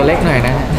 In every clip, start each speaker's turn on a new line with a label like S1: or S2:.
S1: เล็กหน่อยนะฮะ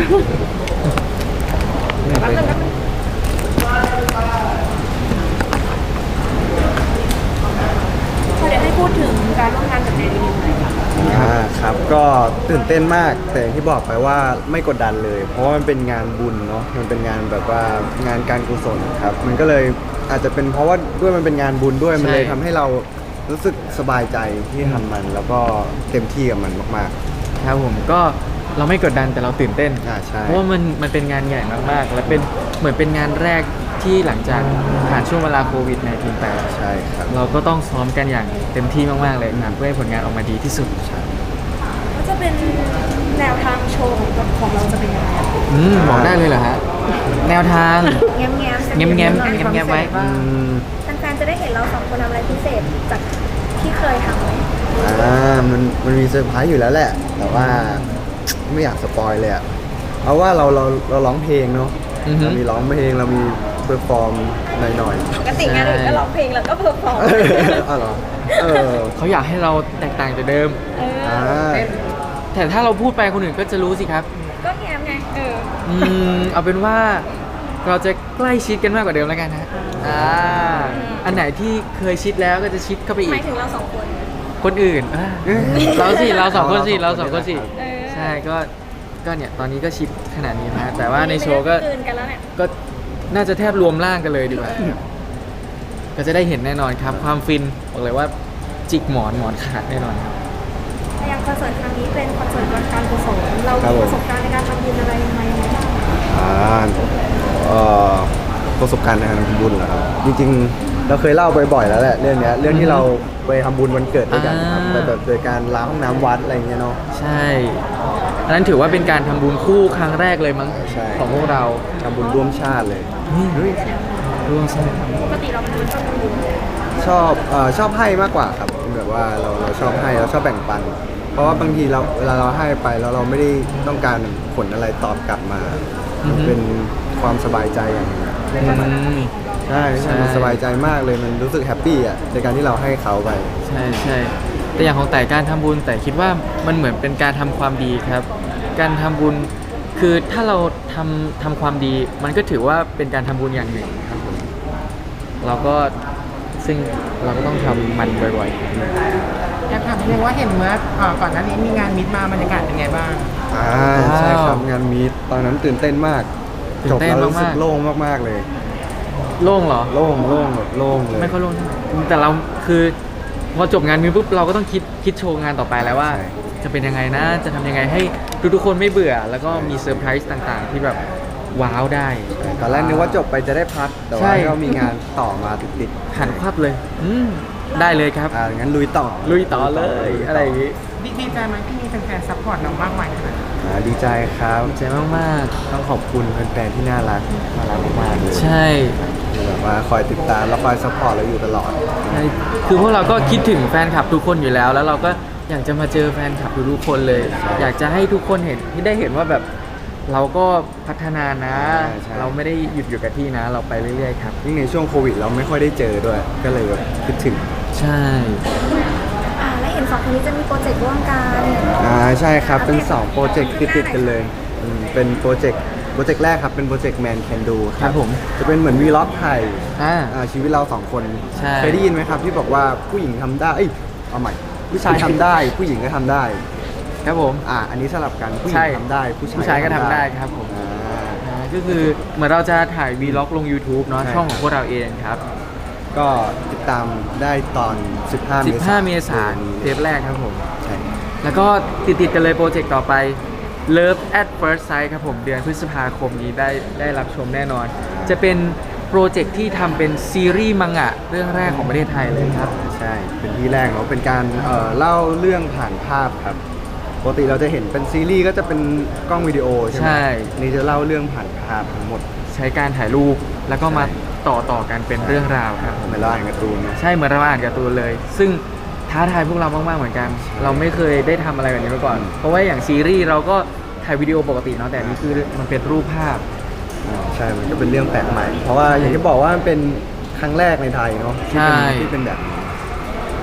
S2: พอเดี๋ยวให้พูดถึงการร่วมงานกับเจดีหน่อยค่ะ
S3: ครับก็ตื่นเต้นมากแต่อย่างที่บอกไปว่าไม่กดดันเลย เพราะว่ามันเป็นงานบุญเนาะมันเป็นงานแบบว่างานการกุศลครับมันก็เลยอาจจะเป็นเพราะว่าด้วยมันเป็นงานบุญด้วยมันเลยทำให้เรารู้สึกสบายใจที่ทำมัน แล้วก็เต็มที่กับมันมาก
S1: ครับผมก็เราไม่กดดันแต่เราตื่นเต้น
S3: ใช่
S1: เพราะว่ามันเป็นงานใหญ่มากๆ และเป็นเหมือนเป็นงานแรกที่หลังจากผ่านช่วงเวลาโควิด-19 ไป
S3: ใช่ครับ
S1: เราก็ต้องซ้อมกันอย่างเต็มที่มากๆเลยครับเพื่อให้ผลงานออกมาดีที่สุด
S2: ก็จะเป็นแนวทางโชว์ของเราจะเป็นยังไงอะ
S1: บอกได้เลยเหรอฮะแนวทาง
S2: แง้ม
S1: แง้มๆไว้
S3: อืม
S2: แฟนๆจะได้เห็นเราสองคนทำอะไรพิเศษจากที่เคยทำไหม
S3: มันมีเซอร์ไพรส์อยู่แล้วแหละ แต่ว่าไม่อยากสปอยเลยอะเอาว่าเราร้องเพลงเนาะ
S1: อือฮึ
S3: เรามีร้องเพลงเรามีเพอร์ฟอร์มหน่อย
S2: ปกติงานอื่นก็ร้องเพลงแล้วก็เพอร์ฟอร์ม
S3: ๆ อ๋อเหรอเออ
S1: เขาอยากให้เราแตกต่างจากเดิม
S3: อ่า
S1: แต่ถ้าเราพูดไปคนอื่นก็จะรู้สิครับ
S2: ก็แง้มไง
S1: เอาเป็นว่าเราจะใกล้ชิดกันมากกว่าเดิมแล้วกันฮะอันไหนที่เคยชิดแล้วก็จะชิดเข้าไป
S2: ห
S1: อี
S2: มาก ยถึงเราสองคน
S1: คนอื่นเราสองคนสิ
S2: เออ
S1: ใช่ก็เนี่ยตอนนี้ก็ชิดขนาดนี้นะแต่ว่าในโชว์ก็
S2: ไม่ได้คืนกันแล้วเนี่ย
S1: ก็น่าจะแทบรวมร่างกันเลยดีกว่าก็จะได้เห็นแน่นอนครับ ความฟินบอกเลยว่าจิกหมอนขาดแน่นอนครับ
S2: อย่างคอนเสิร์ตครั้งนี้เป็นคอนเสิร์ตการกุศลเรามีประสบการณ์ในการทำบุญอะไรยังไงบ้าง
S3: อ่าเอ่อประสบการณ์ในการทำบุญเหรอครับจริงๆเราเคยเล่าบ่อยๆแล้วแหละเรื่องเนี้ยเรื่องที่เราไปทำบุญวันเกิดด้วยกันครับไปแบบโดยการล้างห้องน้ำวัดอะไรอย่างเงี้ยเนาะ
S1: ใช่อันนั้นถือว่าเป็นการทำบุญคู่ครั้งแรกเลยมั้ง
S3: ใช่
S1: ของพวกเรา
S3: ทำบุญร่วมชาติเลยเฮ้ย
S1: ร่วมใช่
S2: ปกติเราเป็นคนชอบทำบุญ
S3: ชอบให้มากกว่าครับแบบว่าเราชอบให้เราชอบแบ่งปัน เพราะว่าบางทีเวลาเราให้ไปแล้วเราไม่ได้ต้องการผลอะไรตอบกลับมามันเป็นความสบายใจอย่างหนึงอะ ใช่มันสบายใจมากเลยมันรู้สึกแฮปปี้อ่ะในการที่เราให้เขาไป
S1: ใช่แต่อย่างของแต่การทำบุญแต่คิดว่ามันเหมือนเป็นการทำความดีครับ การทำบุญคือถ้าเราทำความดีมันก็ถือว่าเป็นการทำบุญอย่างหนึ่งครับผมเราก็ซึ่งเราก็ต้องทำมันบ่อย
S4: อยากถามนิดนึงว่าเห็นเมื่อก่อนหน้านี้มีงานมิตมาบรรยากาศเป็นไงบ้าง
S3: ใช่ครับงานมีตตอนนั้นตื่นเต้นมาก
S1: ตื่
S3: จ
S1: น
S3: บ
S1: เต้น
S3: แล้วรู้สึก
S1: มากๆ
S3: โล่งมากๆเลย
S1: ๆโล่งเหรอ
S3: โล่งแบบโล่งเลย
S1: ไม่ค่อยโล่งแต่เราคือพอจบงานมีปุ๊บเราก็ต้องคิดโชว์งานต่อไปแล้วว่า
S3: ใช่
S1: จะเป็นยังไงนะจะทำยังไงให้ทุกๆคนไม่เบื่อ แล้วก็มีเซอร์ไพรส์ต่างๆ ที่แบบว้าวได้
S3: ตอนแรกนึกว่าจบไปจะได้พักแต่
S1: ใช่
S3: ว่าก็มีงานต่อมาติด
S1: หันควับเลยได้เลยครับ
S3: งั้นลุยต่อ
S1: ลุยต่อเลยอะไรอย่างงี้
S4: ดีใจไหมที่มีแฟนๆซัพพอร์ตเรามากมายขนาดนี้
S3: ดีใจครับ
S1: ดีใจมาก
S3: ต้องขอบคุณแฟนๆที่น่ารักมากๆเลย
S1: ๆใช่
S3: ที่แบบว่าคอยติดตามแล้วคอยซัพพอร์ตเราอยู่ตลอด
S1: ใช่คือพวกเราก็คิดถึงแฟนคลับทุกคนอยู่แล้ว แล้วเราก็อยากจะมาเจอแฟนคลับทุกๆคนเลย อยากจะให้ทุกคนเห็นที่ได้เห็นว่าแบบเราก็พัฒนานะ
S3: ใช่
S1: เราไม่ได้หยุดอยู่กับที่นะ เราไปเรื่อยๆครับ
S3: ยิ่งในช่วงโควิดเราไม่ค่อยได้เจอด้วย ก็เลยแบบคิดถึง
S1: ใช่
S2: และเห็นสองคนนี้จะมีโปรเจกต์ร่วมกัน
S3: ใช่ครับ เป็น 2 โปรเจกต์ติดๆกันเลยเป็นโปรเจกต์แรกครับ เป็นโปรเจกต์ Man Can Do
S1: ครับผม
S3: จะเป็นเหมือนวีล็อกไทย
S1: อ่า
S3: ชีวิตเรา 2 คน
S1: ใช่
S3: เคยได้ยินไหมครับที่บอกว่าผู้หญิงทำได้เอาใหม่ผู้ชายทำได้ ผู้หญิงก็ทำได้
S1: ครับผม
S3: อันนี้สลับกันผู้หญิ
S1: ใช่
S3: งทำได้ผู้
S1: ผู้ชายก็ทำได้ครับผม ก็คือเหมือนเราจะถ่ายวีล็อกลง YouTube เนาะ
S3: ใช่
S1: ช่องของพวกเราเองครับ
S3: ก็ติดตามได้ตอน 15
S1: 15 เมษายนเทปแรกครับผม
S3: ใช่
S1: แล้วก็ติดกันเลยโปรเจกต์ต่อไป Love at First Sight ครับผมเดือนพฤษภาคมนี้ได้รับชมแน่นอน จะเป็นโปรเจกต์ที่ทำเป็นซีรีส์มังงะเรื่องแรกของประเทศไทยเลยครับ
S3: ใช่ เป็นที่แรกเนาะเป็นการเล่าเรื่องผ่านภาพครับปกติเราจะเห็นเป็นซีรีส์ก็จะเป็นกล้องวิดีโอใช่ไหม
S1: ใช่
S3: นี่จะเล่าเรื่องผ่านภาพทั้งหมด
S1: ใช้การถ่ายรูปแล้วก็มาต่อกันเป็นเรื่องราวครับ
S3: เหมือนเราอ่านการ์ตูนนะ
S1: ใช่เหมือนเราอ่านการ์ตูนเลย ซึ่งท้าทายพวกเรามากๆเหมือนกัน เราไม่เคยได้ทำอะไรแบบนี้มาก่อน เพราะว่าอย่างซีรีส์เราก็ถ่ายวิดีโอปกติเนาะแต่อันนี่คือมันเป็นรูปภาพ
S3: ใช่ มันก็เป็นเรื่องแปลกใหม่ เพราะว่าอย่างที่บอกว่ามันเป็นครั้งแรกในไทยเนาะที่เป็น
S1: ใช่
S3: ที่เป็นแบบนี้
S1: ซ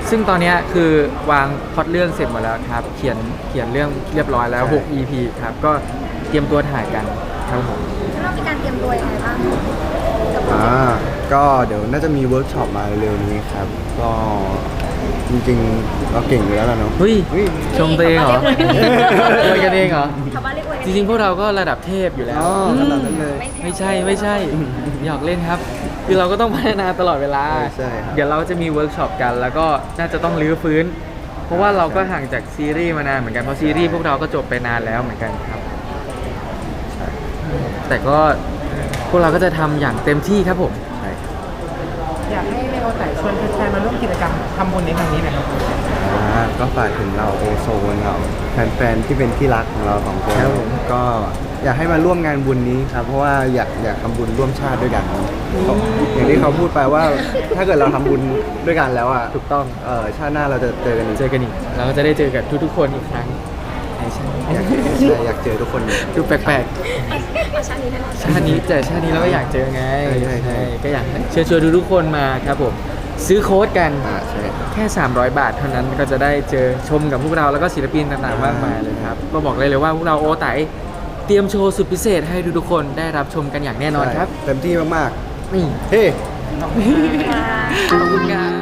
S1: ซึ่งตอนเนี้ยคือวางพล็อตเรื่องเสร็จหมดแล้วครับ เขียนเรื่องเรียบร้อยแล้ว
S3: ใช่
S1: 6 EP ครับ ก็เตรียมตัวถ่ายกันครับผม
S2: เรามีการเตรียมตัวยังไงบ้างกับโปรเจกต์
S3: ก็เดี๋ยวน่าจะมีเวิร์กช็อปมาเร็วๆนี้ครับ ก็จริงๆเราเก่งอยู่แล้วล่ะเนาะ
S1: เฮ้ย ชมตัวเองเหรอ
S2: นี่
S1: อวยกันเองเหรอ
S2: ชาวบ้านเรียกอวยกัน
S1: จริงๆ พวกเราก็ระดับเทพอยู่แล้ว
S3: อ๋อขนาดนั้นเลย
S1: ไม่ใช่ หยอกเล่นครับ คือเราก็ต้องพัฒนาตลอดเวลา
S3: ใช่ครับ
S1: เดี๋ยวเราจะมีเวิร์กช็อปกัน แล้วก็น่าจะต้องรื้อฟื้น เพราะว่าเราก็ห่างจากซีรีส์มานานเหมือนกัน เพราะซีรีส์พวกเราก็จบไปนานแล้วเหมือนกันครับ แต่ก็พวกเราก็จะทำอย่างเต็มที่ครับผม
S3: ใช่ครับ
S4: อยากให้เลโอไต่ชวนแฟนๆมาร่วมกิจกรรมทำบุญในครั้งนี้หน่อยครับ
S3: ก็ฝากถึงเราโอโซนเราแฟนๆที่เป็นที่รักของเราสองคน
S1: ครับผม
S3: ก็อยากให้มาร่วมงานบุญนี้ครับ เพราะว่าอยากทำบุญร่วมชาติด้วยกันอย่างที่เขาพูดไปว่า ถ้าเกิดเราทำบุญด้วยกันแล้วอ่ะ
S1: ถูกต้อง
S3: ชาติหน้าเราจะเจอกันอีก
S1: เจอกันอีกเราก็จะได้เจอกับทุกๆคนอีกครั้งในชาติ
S3: อยากเจอทุกคน
S1: ดูแปลก
S2: เอาชาตินี้แน่นอน
S1: ๆชาตินี้แต่ชาตินี้เราก็อยากเจอไง
S3: ใช่
S1: ก็อยากเชิญชวนทุกๆคนมาครับผมซื้อโค้ดกัน
S3: ใช่ครับ
S1: แค่ 300 บาทเท่านั้นก็จะได้เจอชมกับพวกเราแล้วก็ศิลปินต่างๆมากมายเลยครับ ก็บอกเลยว่าพวกเราโอไตเตรียมโชว์สุดพิเศษให้ทุกๆคนได้รับชมกันอย่างแน่นอนครับ
S3: เต็มที่มาก
S1: นี่
S3: ๆเฮ้
S1: ขอบคุณครับ